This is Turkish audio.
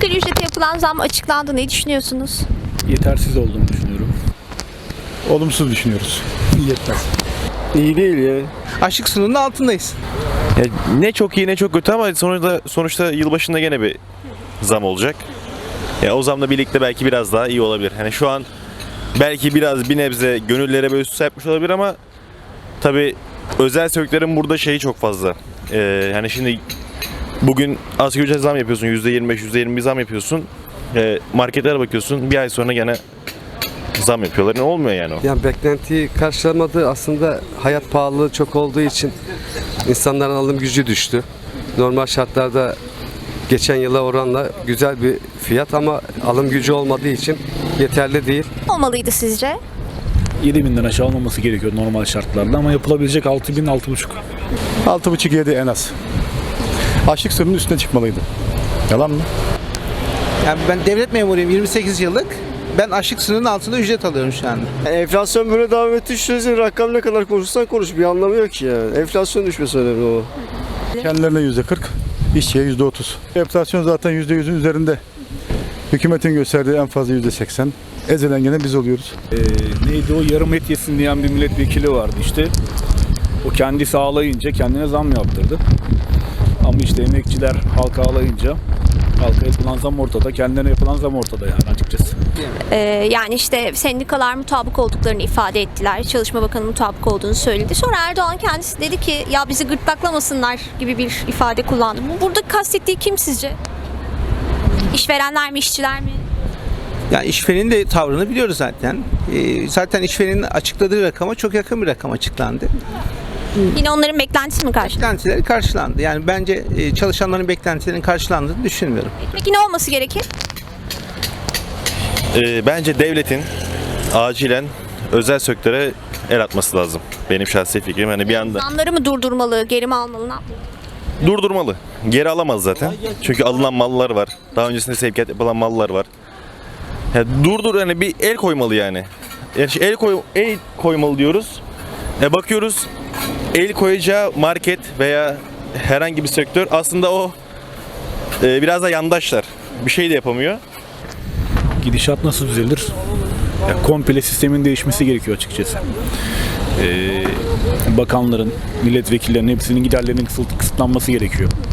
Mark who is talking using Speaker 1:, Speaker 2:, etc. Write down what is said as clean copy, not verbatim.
Speaker 1: Asgari ücrete yapılan zam açıklandı. Ne düşünüyorsunuz?
Speaker 2: Yetersiz olduğunu düşünüyorum.
Speaker 3: Olumsuz düşünüyoruz. Yetmez.
Speaker 4: İyi değil ya.
Speaker 5: Açlık sınırının altındayız.
Speaker 6: Ya ne çok iyi ne çok kötü ama sonuçta yılbaşında gene bir zam olacak. Ya o zamla birlikte belki biraz daha iyi olabilir. Hani şu an belki biraz bir nebze gönüllere böyle süs yapmış olabilir ama tabii özel sektörün burada şeyi çok fazla. Yani şimdi bugün asgari ücret zam yapıyorsun, %25, %20 zam yapıyorsun. Marketlere bakıyorsun, bir ay sonra gene zam yapıyorlar. Ne olmuyor yani o?
Speaker 4: Yani beklentiyi karşılamadı. Aslında hayat pahalılığı çok olduğu için insanların alım gücü düştü. Normal şartlarda geçen yıla oranla güzel bir fiyat ama alım gücü olmadığı için yeterli değil.
Speaker 1: Olmalıydı sizce?
Speaker 2: 7.000'den aşağı olmaması gerekiyor normal şartlarda ama yapılabilecek 6.000, 6.500.
Speaker 3: 6,5-7 en az. Açlık sınırının üstüne çıkmalıydı. Yalan mı?
Speaker 5: Yani ben devlet memuruyum 28 yıllık. Ben açlık sınırının altında ücret alıyorum şu anda.
Speaker 4: Enflasyon böyle devam ettiği sürece rakam ne kadar konuşursan konuş bir anlamı yok ki yani. Enflasyon düşmesi önemli o.
Speaker 3: Kendilerine %40, işçiye %30. Enflasyon zaten %100'ün üzerinde. Hükümetin gösterdiği en fazla %80. Ezilen gene biz oluyoruz.
Speaker 2: Neydi o, yarım et yesin diyen bir milletvekili vardı işte. O kendisi ağlayınca kendine zam yaptırdı. Ama işte emekçiler halka ağlayınca halka yapılan zam ortada, kendilerine yapılan zam ortada yani açıkçası.
Speaker 1: Yani işte sendikalar mutabık olduklarını ifade ettiler. Çalışma Bakanı mutabık olduğunu söyledi. Sonra Erdoğan kendisi dedi ki ya bizi gırtlaklamasınlar gibi bir ifade kullandı. Burada kastettiği kim sizce? İşverenler mi, işçiler mi?
Speaker 5: Yani işverenin de tavrını biliyoruz zaten. Zaten işverenin açıkladığı rakama çok yakın bir rakam açıklandı.
Speaker 1: Yine onların beklentisi mi karşı?
Speaker 5: Beklentileri karşılandı. Yani bence çalışanların beklentilerinin karşılandığını düşünmüyorum.
Speaker 1: Peki ne olması gerekir?
Speaker 6: Bence devletin acilen özel sektöre el atması lazım. Benim şahsi fikrim. Hani bir anda
Speaker 1: Zamları mı durdurmalı, geri mi almalı, ne yapmalı?
Speaker 6: durdurmalı. Geri alamaz zaten. Çünkü alınan mallar var. Daha öncesinde sevkiyat yapılan mallar var. Yani yani bir el koymalı yani. Yani el koymalı diyoruz. Bakıyoruz el koyacağı market veya herhangi bir sektör aslında o biraz da yandaşlar. Bir şey de yapamıyor.
Speaker 2: Gidişat nasıl düzelir? Ya, komple sistemin değişmesi gerekiyor açıkçası. Bakanların, milletvekillerinin hepsinin giderlerinin kısıtlanması gerekiyor.